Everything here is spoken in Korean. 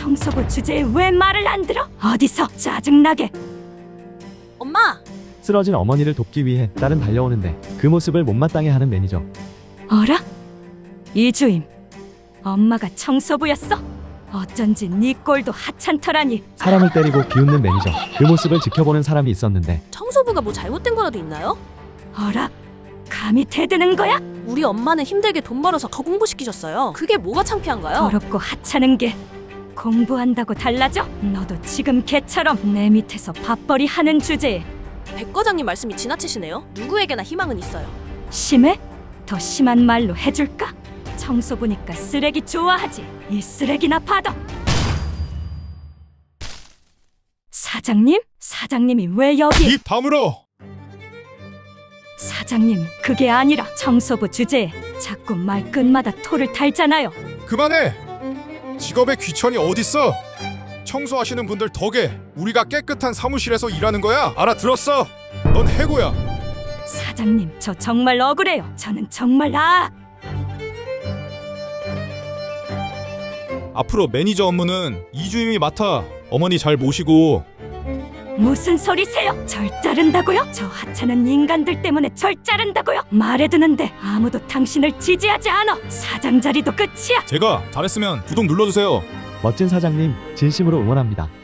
청소부 주제에 왜 말을 안 들어? 어디서 짜증나게. 엄마! 쓰러진 어머니를 돕기 위해 딸은 달려오는데 그 모습을 못마땅해 하는 매니저. 어라? 이주임, 엄마가 청소부였어? 어쩐지 네 꼴도 하찮더라니. 사람을 때리고 비웃는 매니저. 그 모습을 지켜보는 사람이 있었는데 청소부가 뭐 잘못된 거라도 있나요? 어라? 감히 대드는 거야? 우리 엄마는 힘들게 돈 벌어서 더 공부시키셨어요. 그게 뭐가 창피한가요? 더럽고 하찮은 게 공부한다고 달라져? 너도 지금 걔처럼 내 밑에서 밥벌이 하는 주제에 백 과장님 말씀이 지나치시네요. 누구에게나 희망은 있어요. 심해? 더 심한 말로 해줄까? 청소부니까 쓰레기 좋아하지. 이 쓰레기나 받아. 사장님? 사장님이 왜 여기? 입 다물어! 사장님, 그게 아니라 청소부 주제에 자꾸 말끝마다 토를 달잖아요. 그만해! 직업의 귀천이 어딨어? 청소하시는 분들 덕에 우리가 깨끗한 사무실에서 일하는 거야. 알아들었어? 넌 해고야. 사장님, 저 정말 억울해요. 저는 정말 앞으로 매니저 업무는 이주임이 맡아. 어머니 잘 모시고. 무슨 소리세요? 절 자른다고요? 저 하찮은 인간들 때문에 절 자른다고요? 말해두는데 아무도 당신을 지지하지 않아. 사장 자리도 끝이야. 제가 잘했으면 구독 눌러주세요. 멋진 사장님 진심으로 응원합니다.